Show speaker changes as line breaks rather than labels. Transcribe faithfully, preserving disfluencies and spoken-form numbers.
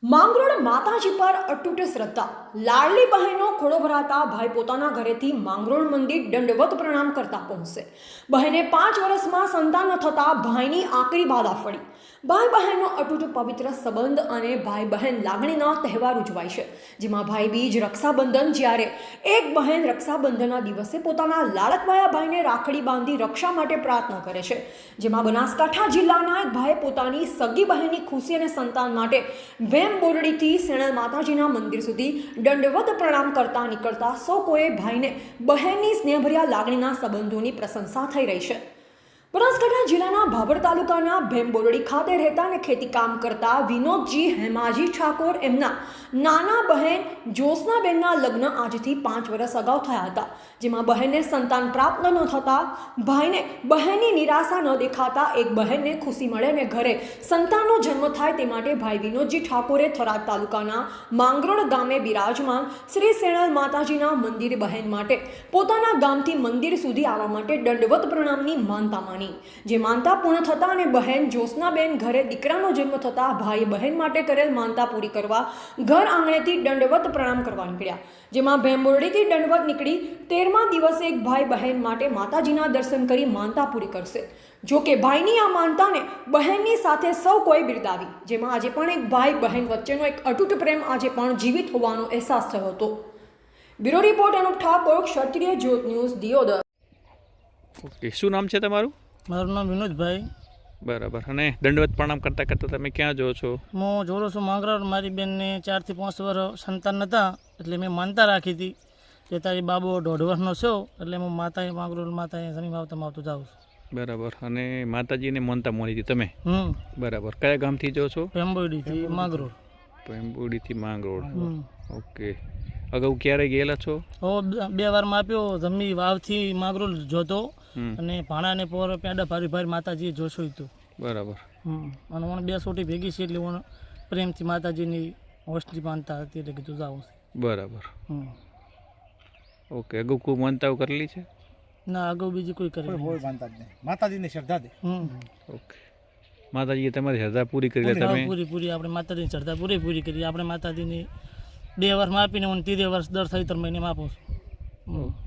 માંગરોળ માતાજી પર અતૂટ શ્રદ્ધા. લાડલી બહેનો ખોળો ભરાતા ભાઈ પોતાના ઘરેથી માંગરોળ મંદિર દંડવત પ્રણામ કરતા પહોંચશે. બહેને પાંચ વર્ષમાં સંતાન ન થતા ભાઈની આકરી બાધા ફળી. ભાઈ બહેનનો અતૂટ પવિત્ર સંબંધ અને ભાઈ બહેન લાગણીના તહેવાર ઉજવાય છે, જેમાં ભાઈ બીજ, રક્ષાબંધન. જ્યારે એક બહેન રક્ષાબંધનના દિવસે પોતાના લાડકવાયા ભાઈને રાખડી બાંધી રક્ષા માટે પ્રાર્થના કરે છે, જેમાં બનાસકાંઠા જિલ્લાના એક ભાઈએ પોતાની સગી બહેનની ખુશી અને સંતાન માટે વેમ બોરડીથી સેણલ માતાજીના મંદિર સુધી દંડવત પ્રણામ કરતા નીકળતા સૌ કોઈએ ભાઈને બહેનની સ્નેહભર્યા લાગણીના સંબંધોની પ્રશંસા થઈ રહી છે. બનાસકાંઠા જિલ્લાના ભાભર તાલુકાના ભેમબોરડી ખાતે રહેતા અને ખેતી કામ કરતા વિનોદજી હેમાજી ઠાકોર એમના નાના બહેન જ્યોત્સનાબેનના લગ્ન આજથી પાંચ વર્ષ અગાઉ થયા હતા, જેમાં બહેનને સંતાન પ્રાપ્ત ન થતા ભાઈને બહેનની નિરાશા ન દેખાતા એક બહેનને ખુશી મળે અને ઘરે સંતાનનો જન્મ થાય તે માટે ભાઈ વિનોદજી ઠાકોરે થરાદ તાલુકાના માંગરોળ ગામે બિરાજમાન શ્રી સેણલ માતાજીના મંદિર બહેન માટે પોતાના ગામથી મંદિર સુધી આવવા માટે દંડવત પ્રણામની માનતા માની. જે માનતા પૂર્ણ થતા અને બહેન જ્યોત્સનાબેન ઘરે દીકરાનો જન્મ થતા ભાઈ બહેન માટે કરેલ માનતા પૂરી કરવા ઘર આંગણેથી દંડવત પ્રણામ કરવા નીકળ્યા, જેમાં ભેમબોરડીથી દંડવત નીકળી તેરમા દિવસે એક ભાઈ બહેન માટે માતાજીના દર્શન કરી માનતા પૂરી કરશે. જો કે ભાઈની આ માનતાને બહેનની સાથે સૌ કોઈ બિરદાવી, જેમાં આજે પણ એક ભાઈ બહેન વચ્ચેનો એક અતૂટ પ્રેમ આજે પણ જીવિત હોવાનો અહેસાસ થયો હતો. બ્યુરો રિપોર્ટ અનુપ ઠાકોર, ક્ષત્રિય જ્યોત ન્યૂઝ, દિયોદર.
ઓકે, શું નામ છે તમારું?
મારું નામ વિનોદભાઈ.
બરાબર. અને દંડવત પ્રણામ કરતાં કરતાં તમે ક્યાં જો છો?
હું જોડો છું માંગરોળ. મારી બેનને ચારથી પાંચ વર્ષ સંતાન નહોતા, એટલે મેં માનતા રાખી હતી કે તારી બાબો દોઢ વર્ષનો છો, એટલે હું માતાએ માંગરોળ માતાએ શનિ આવતા આવતું જાઉં છું.
બરાબર. અને માતાજીને માનતા મોની હતી તમે?
હમ.
બરાબર. કયા ગામથી જો છો?
ભેમબોરડીથી માંગરોળ.
ભેમબોરડીથી માંગરોળ. ઓકે. અગાઉ ક્યારે ગયેલા છો?
હો, બે વારમાં આપ્યો. જમી વાવથી માંગરોળ જોતો અને ભાણાને પોર પેડા ભારી ભારી માતાજીએ જોશું હતું.
બરાબર.
હમ. અને મને બે સોટી ભેગી છે એટલે હું પ્રેમથી માતાજીની હોસ્ટલી માનતા હતી એટલે કીધું જાઉં છે.
બરાબર.
હમ.
ઓકે. અગાઉ કોઈ માનતાઓ કરેલી છે?
ના, અગાઉ બીજી કોઈ કરે
માતાજીની શ્રદ્ધા દે.
હમ.
ઓકે. માતાજીએ તમારી શ્રદ્ધા પૂરી કરી લે તમે?
પૂરી પૂરી આપણે માતાજીની શ્રદ્ધા પૂરી પૂરી કરી. આપણે માતાજીની બે વર્ષમાં આપીને હું ત્રીજે વર્ષ દર સત્તર મહિને આપું છું.